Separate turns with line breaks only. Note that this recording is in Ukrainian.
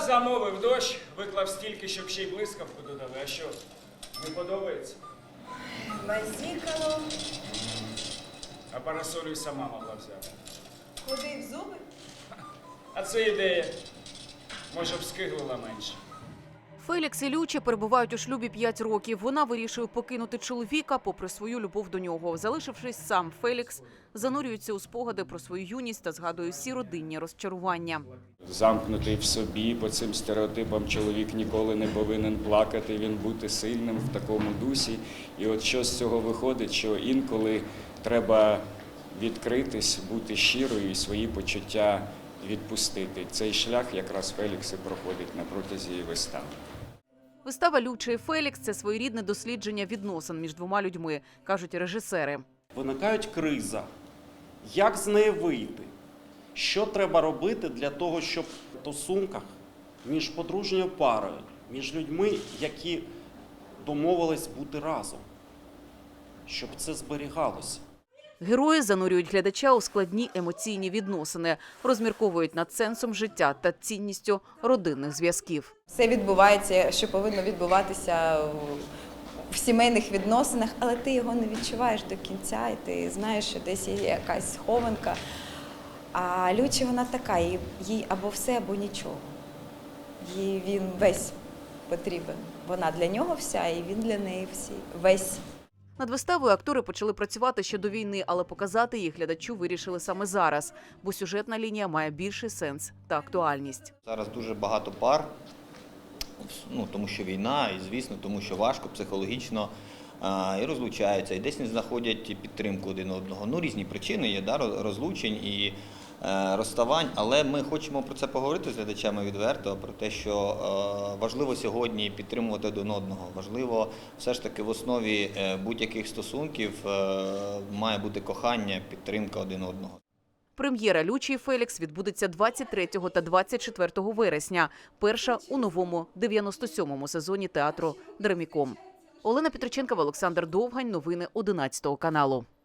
замовив дощ, виклав стільки, щоб ще й блискавку додали. А що, не подобається?
Базікало.
А парасолю й сама могла взяти.
Ходив зуби.
А це ідея. Може б скиглила менше.
Фелікс і Люча перебувають у шлюбі 5 років. Вона вирішує покинути чоловіка попри свою любов до нього. Залишившись сам, Фелікс занурюється у спогади про свою юність та згадує всі родинні розчарування.
Замкнутий в собі, по цим стереотипам чоловік ніколи не повинен плакати, він бути сильним в такому дусі. І от що з цього виходить, що інколи треба відкритись, бути щирою і свої почуття відпустити. Цей шлях якраз Фелікс і проходить на протязі вистави.
Вистава «Люча і Фелікс» – це своєрідне дослідження відносин між двома людьми, кажуть режисери.
Виникає криза. Як з неї вийти? Що треба робити для того, щоб в стосунках між подружньою парою, між людьми, які домовились бути разом, щоб це зберігалося?
Герої занурюють глядача у складні емоційні відносини, розмірковують над сенсом життя та цінністю родинних зв'язків.
Все відбувається, що повинно відбуватися в сімейних відносинах, але ти його не відчуваєш до кінця, і ти знаєш, що десь є якась схованка. А Люча, вона така, їй або все, або нічого. Їй він весь потрібен. Вона для нього вся, і він для неї весь.
Над виставою актори почали працювати ще до війни, але показати їх глядачу вирішили саме зараз, бо сюжетна лінія має більший сенс та актуальність.
Зараз дуже багато пар, тому що війна, і, звісно, тому що важко психологічно, і розлучаються, і десь не знаходять підтримку один одного. Різні причини є, розлучень і розставань, але ми хочемо про це поговорити з глядачами відверто, про те, що важливо сьогодні підтримувати один одного, важливо все ж таки в основі будь-яких стосунків має бути кохання, підтримка один одного.
Прем'єра «Люча і Фелікс» відбудеться 23 та 24 вересня, перша у новому 97-му сезоні театру «Драміком». Олена Петриченкова, Олександр Довгань. Новини 11 каналу.